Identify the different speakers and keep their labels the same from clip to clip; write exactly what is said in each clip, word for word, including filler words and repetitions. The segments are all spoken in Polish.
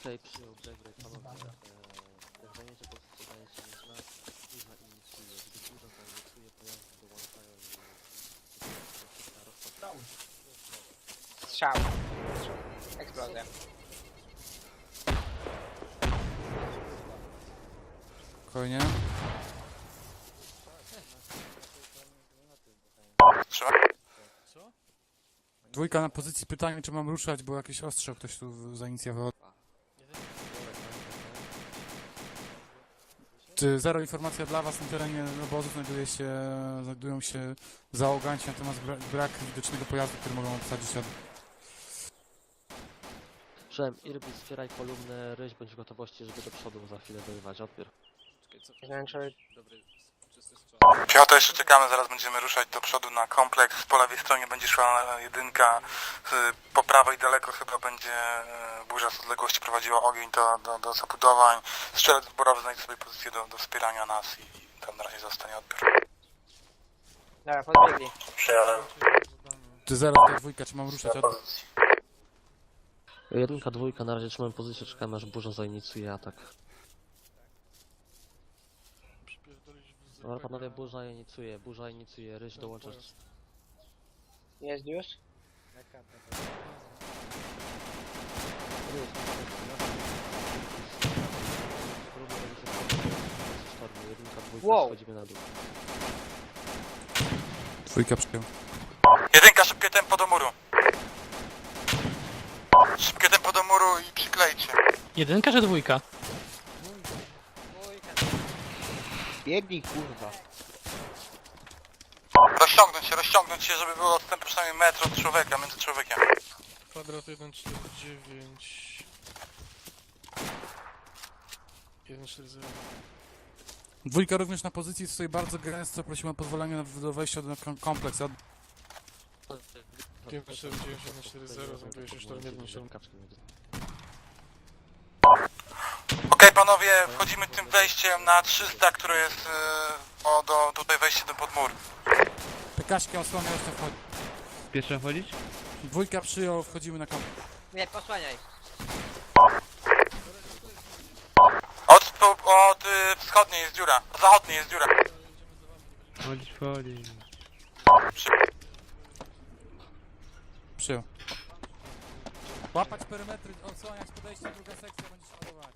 Speaker 1: Okej, przyjął break, break, panowie. Jak zajmiecie pozycję, dajecie mi znak. Burza inicjuje. Gdy burza zainicjuje, pojazdy dołączają i...
Speaker 2: Strzał. Eksplozja.
Speaker 3: Spokojnie. Dwójka na pozycji, pytanie czy mam ruszać, bo jakieś ostrzał ktoś tu zainicjował. Czy zero informacja dla was na terenie obozu znajduje się, znajdują się załoganci, natomiast brak, brak widocznego pojazdu, który mogą obsadzić od...
Speaker 1: Przyjąłem Irby, wspieraj kolumnę, ryś bądź w gotowości, żeby do przodu za chwilę dorywać. Odbiór.
Speaker 3: Piotr, jeszcze czekamy, zaraz będziemy ruszać do przodu na kompleks. Po lewej stronie będzie szła jedynka, po prawej daleko chyba będzie burza z odległości prowadziła ogień do, do, do zabudowań. Strzelec zborowy znajdzie sobie pozycję do, do wspierania nas i tam na razie zostanie odbiór.
Speaker 2: Dobra, podbiegli.
Speaker 3: Przyjąłem. Czy zero do dwójka, czy mam ruszać od...
Speaker 1: Jedynka, dwójka, na razie trzymam pozycję, czekamy aż burza zainicjuje atak. Dobra panowie, burza inicjuje, burza inicjuje, ryś dołączasz.
Speaker 2: Jest już? Wow.
Speaker 1: Schodzimy na dół.
Speaker 3: Dwójka przyjął. Jedynka, szybkie tempo do muru. Szybkie tempo do muru i przyklejcie.
Speaker 4: Jedynka czy dwójka?
Speaker 2: Biegnij, kurwa.
Speaker 3: Rozciągnąć się, rozciągnąć się, żeby było odstęp przynajmniej metr od człowieka, między człowiekiem.
Speaker 4: Kwadrat jeden cztery dziewięć. jeden cztery zero.
Speaker 3: Dwójka również na pozycji stoi bardzo gęsto, prosimy o pozwolenie do wejścia do kompleksu. Od...
Speaker 4: pięć cztery dziewięć jeden cztery zero, znajduje się sztorm jeden siedem.
Speaker 3: Okej panowie, wchodzimy tym wejściem na trzysta, które jest yy, o, do, tutaj wejście do podmur. Pekaśkę osłania jeszcze wchodzi.
Speaker 5: Pierwsza wchodzić?
Speaker 3: Dwójka przyjął, wchodzimy na kompleks.
Speaker 2: Nie, posłaniaj.
Speaker 3: Od, od y, wschodniej jest dziura, od zachodniej jest dziura.
Speaker 5: Wchodzić, wchodzić.
Speaker 3: Przy... Przyjął. Łapać perymetry, odsłaniać podejście, druga sekcja, będziesz ładować.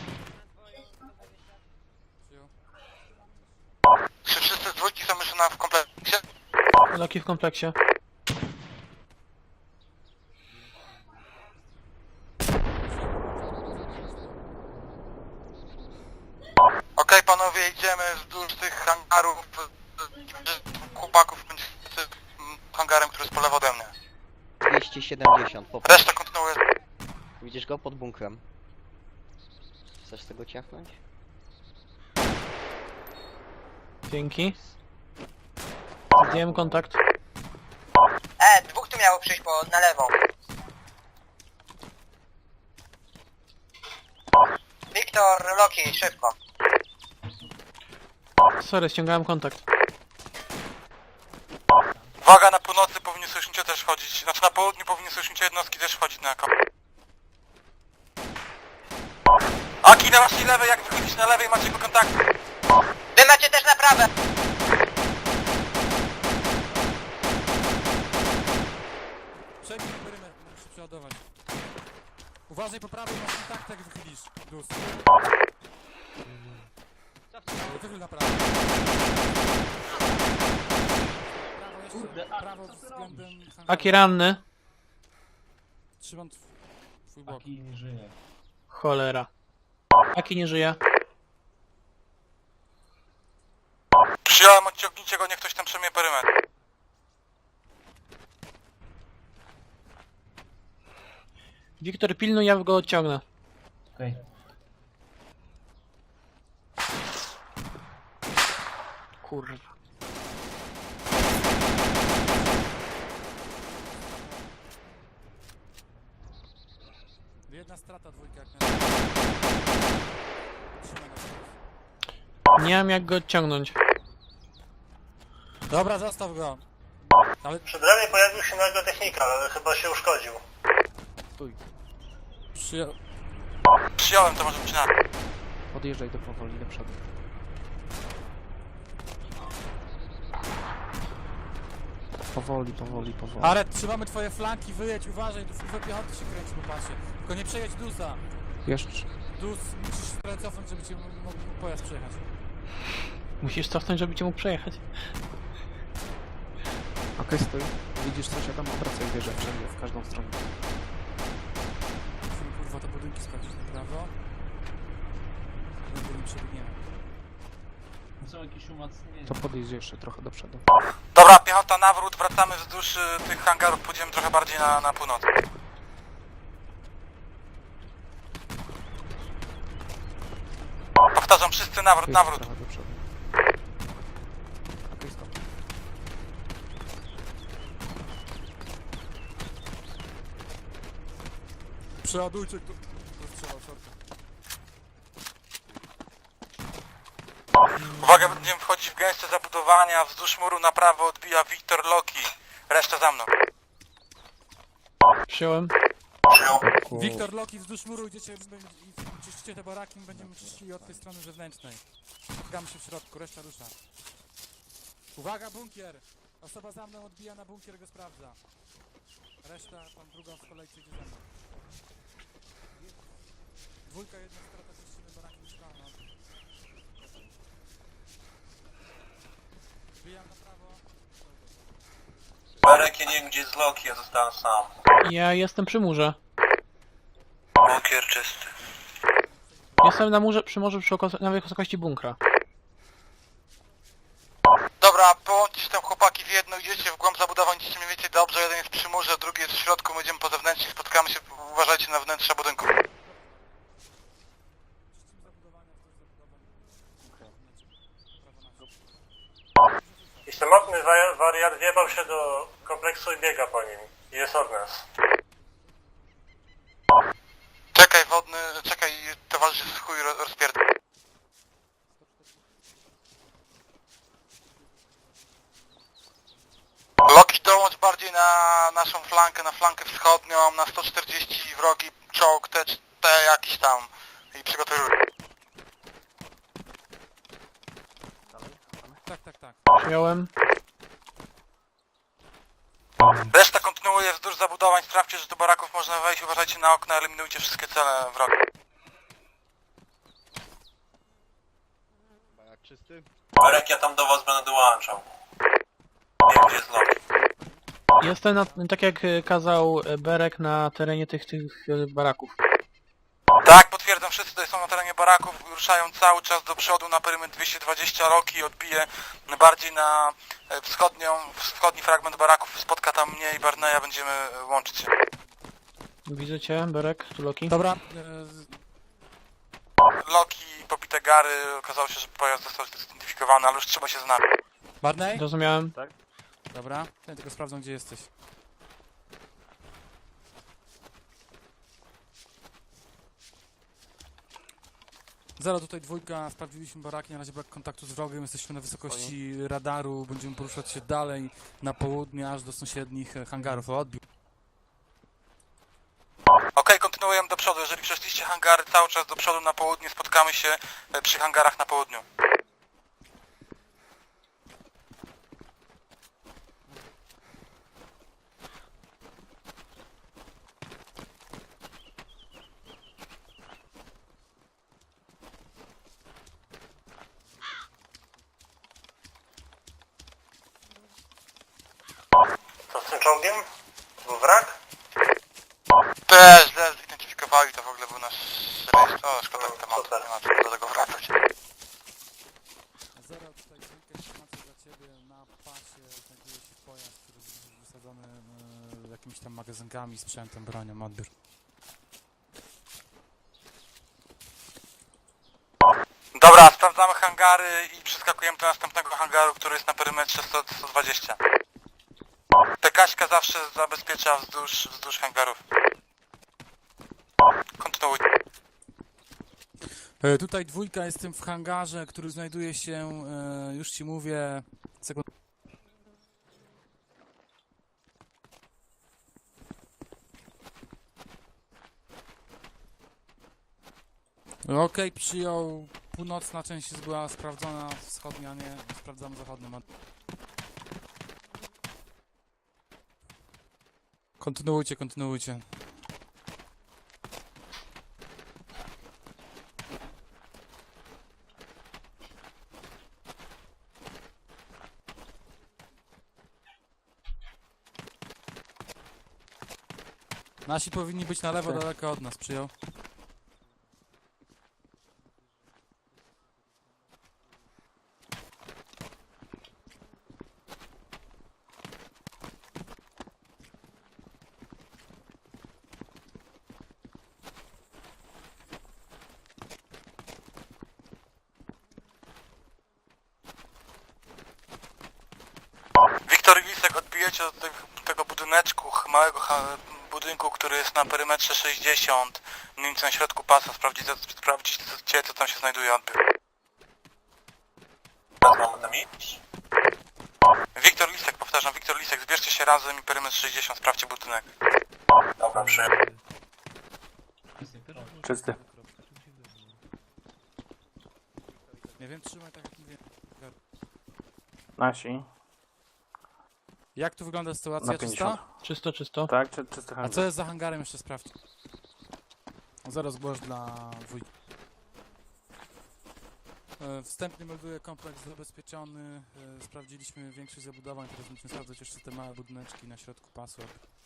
Speaker 3: Przyjął. Czy wszyscy z dwójki są już na w kompleksie?
Speaker 4: Loki w kompleksie.
Speaker 3: Okej panowie, idziemy wzdłuż tych hangarów, chłopaków będzie z hangarem, który jest po lewo ode mnie.
Speaker 6: dwieście siedemdziesiąt, popatrz.
Speaker 3: Reszta kontynuuje.
Speaker 6: Widzisz go pod bunkrem? Chcesz tego ciachnąć?
Speaker 4: Dzięki. Zdjąłem kontakt.
Speaker 2: E, dwóch tu miało przyjść po, na lewą. Wiktor, Loki, szybko.
Speaker 4: Sorry, ściągałem kontakt.
Speaker 3: Uwaga, na północy powinny sojusznicze też wchodzić, znaczy na południu powinny sojusznicze jednostki też wchodzić na kom. Aki, na waszej lewej, jak wychodzić na lewej macie go kontakt.
Speaker 2: Wy macie też na prawe.
Speaker 3: Przejmij perymetr, musisz przeładować. Uważaj po prawej, masz kontakt jak wychylisz. Dus. Wychyl na prawo. Prawo jeszcze, prawo względem...
Speaker 4: Aki ranny.
Speaker 3: Trzymam twój bok.
Speaker 4: Cholera. Aki nie żyje.
Speaker 3: Przyjąłem, odciągnijcie go, niech ktoś tam przejmie perymetr.
Speaker 4: Wiktor, pilnuj, ja go odciągnę.
Speaker 5: Okej.
Speaker 4: Kurwa.
Speaker 3: Jedna strata, dwójka jak
Speaker 4: Nie mam jak go odciągnąć.
Speaker 3: Dobra, zostaw go. Ale...
Speaker 7: Przy bramie pojawił się nagle technika, ale chyba się uszkodził.
Speaker 3: Przyja... Przyjąłem, to może być na...
Speaker 7: Podjeżdżaj do powoli do przodu. Powoli, powoli, powoli.
Speaker 8: Aret, trzymamy twoje flanki, wyjedź, uważaj, tu w piechoty się kręci po pasie. Tylko nie przejedź Dusa.
Speaker 7: Jeszcze.
Speaker 8: Dus musisz trochę cofnąć, żeby cię mógł mógł pojazd przejechać.
Speaker 4: Musisz cofnąć, żeby cię mógł przejechać.
Speaker 7: Okej, stój. Widzisz coś, ja tam obracaj wieżę wszędzie, w każdą stronę.
Speaker 8: Musimy kurwa te budynki sprawdzić na prawo. Będę nie przebiegniemy.
Speaker 7: To podjedź jeszcze trochę do przodu.
Speaker 3: Dobra, piechota nawrót, wracamy wzdłuż y, tych hangarów, pójdziemy trochę bardziej na, na północ. Powtarzam, wszyscy nawrót,
Speaker 7: Jedź
Speaker 3: nawrót.
Speaker 7: trochę do przodu. Okej, stop.
Speaker 8: Przeładujcie tu. To strzała, sorka.
Speaker 3: Uwaga, będziemy wchodzić w gęste zabudowania, wzdłuż muru na prawo odbija Wiktor Loki. Reszta za mną.
Speaker 4: Przyjąłem.
Speaker 8: Wiktor, Loki, wzdłuż muru idziecie i czyścicie te baraki, my będziemy czyścili od tej strony zewnętrznej. Gramy się w środku, reszta rusza. Uwaga, bunkier! Osoba za mną odbija na bunkier, go sprawdza. Reszta, tam drugą w kolejce idzie za mną. Dwójka, jedna strata, czyścimy baraki mieszkalne. Wbijam na prawo.
Speaker 3: Berek, ja nie wiem gdzie jest Loki, ja zostałem sam.
Speaker 4: Ja jestem przy murze.
Speaker 3: Bunkier czysty.
Speaker 4: Jestem na murze, przy morzu, przy oko, na wysokości bunkra.
Speaker 3: Dobra, połączcie się tam chłopaki w jedno, idziecie w głąb zabudowań, idziecie mniej więcej dobrze, jeden jest przy murze, drugi jest w środku, my idziemy po zewnętrznie, spotkamy się, uważajcie na wnętrze budynku.
Speaker 9: I samotny wa- wariat wjebał się do kompleksu i biega po nim. Jest od nas.
Speaker 3: Czekaj wodny, czekaj, towarzysz z chuj ro- rozpierdol. Loki, dołącz bardziej na naszą flankę, na flankę wschodnią, na sto czterdzieści wrogi, czołg, te, te jakiś tam i przygotuj.
Speaker 8: Tak, tak, tak.
Speaker 4: Przyjąłem.
Speaker 3: Reszta kontynuuje wzdłuż zabudowań, sprawdźcie, że do baraków można wejść, uważajcie na okna, eliminujcie wszystkie cele wroga.
Speaker 6: Barak czysty.
Speaker 9: Berek, ja tam do was będę dołączał. Wiem gdzie jest Loki.
Speaker 4: Jestem na, tak jak e, kazał e, Berek na terenie tych, tych e, baraków.
Speaker 3: Tak, potwierdzam, wszyscy tutaj są na terenie baraków, ruszają cały czas do przodu na perymetr dwieście dwadzieścia, Loki odbije bardziej na e, wschodnią, wschodni fragment baraków, spotka tam mnie i Barneya, będziemy e, łączyć się.
Speaker 4: Widzę cię, Berek, tu Loki.
Speaker 8: Dobra, e,
Speaker 3: Loki, popite gary, okazało się, że pojazd został zidentyfikowany, ale już trzeba się znać.
Speaker 8: Barney?
Speaker 4: Zrozumiałem.
Speaker 8: Dobra, ja tylko sprawdzę, gdzie jesteś. Zero, tutaj dwójka, sprawdziliśmy baraki, na razie brak kontaktu z wrogiem, jesteśmy na wysokości radaru, będziemy poruszać się dalej na południe, aż do sąsiednich e, hangarów. O, odbiór.
Speaker 3: Okej, kontynuujemy do przodu, jeżeli przeszliście hangary cały czas do przodu na południe, spotkamy się e, przy hangarach na południu.
Speaker 9: Co z tym czołgiem? Był wrak?
Speaker 3: Też źle zidentyfikowali, to w ogóle był nasz rejestr. O, szkoda tematu, nie ma co do tego wracać.
Speaker 8: Zero, tutaj dwójka, informacja dla Ciebie, na pasie znajduje się pojazd, który jest wysadzony e, jakimiś tam magazynkami, sprzętem, bronią, odbiór.
Speaker 3: Dobra, sprawdzamy hangary i przeskakujemy do następnego hangaru, który jest na perymetrze sto dwadzieścia. Tekaśka zawsze zabezpiecza wzdłuż, wzdłuż hangarów. Kontynuuj.
Speaker 8: E, tutaj dwójka, jestem w hangarze, który znajduje się, e, już Ci mówię, sekund... Okej, przyjął. Północna część jest była sprawdzona, wschodnia nie. Sprawdzamy zachodnią. Kontynuujcie, kontynuujcie. Nasi powinni być na lewo,
Speaker 7: Tak.
Speaker 8: daleko od nas, przyjął.
Speaker 3: Wiktor i Lisek, odbijecie od tego, tego budyneczku, ch- małego ha, budynku, który jest na perymetrze sześćdziesiąt, mniej więcej na środku pasa, sprawdzicie, sprawdzicie co tam się znajduje, odbiór.
Speaker 9: Mamy tam iść?
Speaker 3: Wiktor Lisek, powtarzam, Wiktor Lisek, zbierzcie się razem i perymetr sześćdziesiąt, sprawdźcie budynek.
Speaker 9: Dobra, przyjąłem.
Speaker 7: Czysty.
Speaker 8: Nie wiem, trzymaj tak jak mówię.
Speaker 7: Nasi.
Speaker 8: Jak tu wygląda
Speaker 7: Na
Speaker 8: sytuacja?
Speaker 7: pięćdziesiąt.
Speaker 8: Czysta?
Speaker 4: Czysto, czysto.
Speaker 7: Tak, czy, czysty
Speaker 8: A
Speaker 7: handel.
Speaker 8: co jest za hangarem? Jeszcze sprawdź. Zaraz zgłoś dla wujka. E, Wstępnie melduję kompleks zabezpieczony. E, Sprawdziliśmy większość zabudowań, teraz musimy sprawdzać jeszcze te małe budyneczki na środku pasu.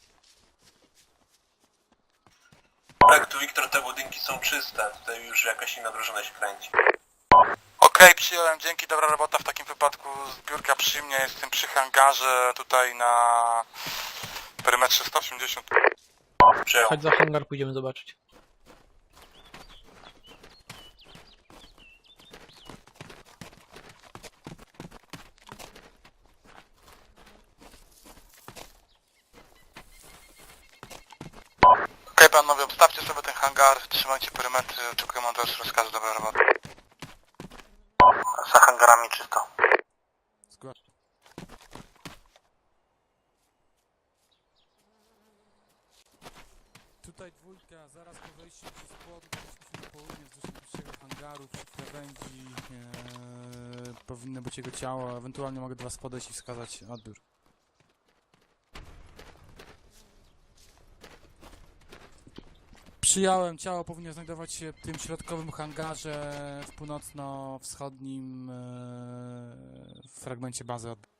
Speaker 9: Tak, tu Wiktor, te budynki są czyste. Tutaj już jakaś inna drużyna się kręci.
Speaker 3: Okej, przyjąłem, dzięki, dobra robota w takim wypadku, zbiórka przy mnie, jestem przy hangarze, tutaj na perymetrze sto osiemdziesiąt.
Speaker 9: Przyjął.
Speaker 4: Chodź za hangar, pójdziemy zobaczyć.
Speaker 3: Okej, panowie, obstawcie sobie ten hangar, trzymajcie perymetry, oczekujemy od was rozkazu, dobra robota. Za hangarami czysto.
Speaker 8: Zgłaś. Tutaj dwójka, zaraz po wejściu przez płot, weszliśmy na południe wzdłuż najbliższego hangaru, przy krawędzi e, powinno być jego ciało, ewentualnie mogę do was podejść i wskazać odbiór. Przyjąłem, ciało powinno znajdować się w tym środkowym hangarze w północno-wschodnim e, fragmencie bazy odbiór.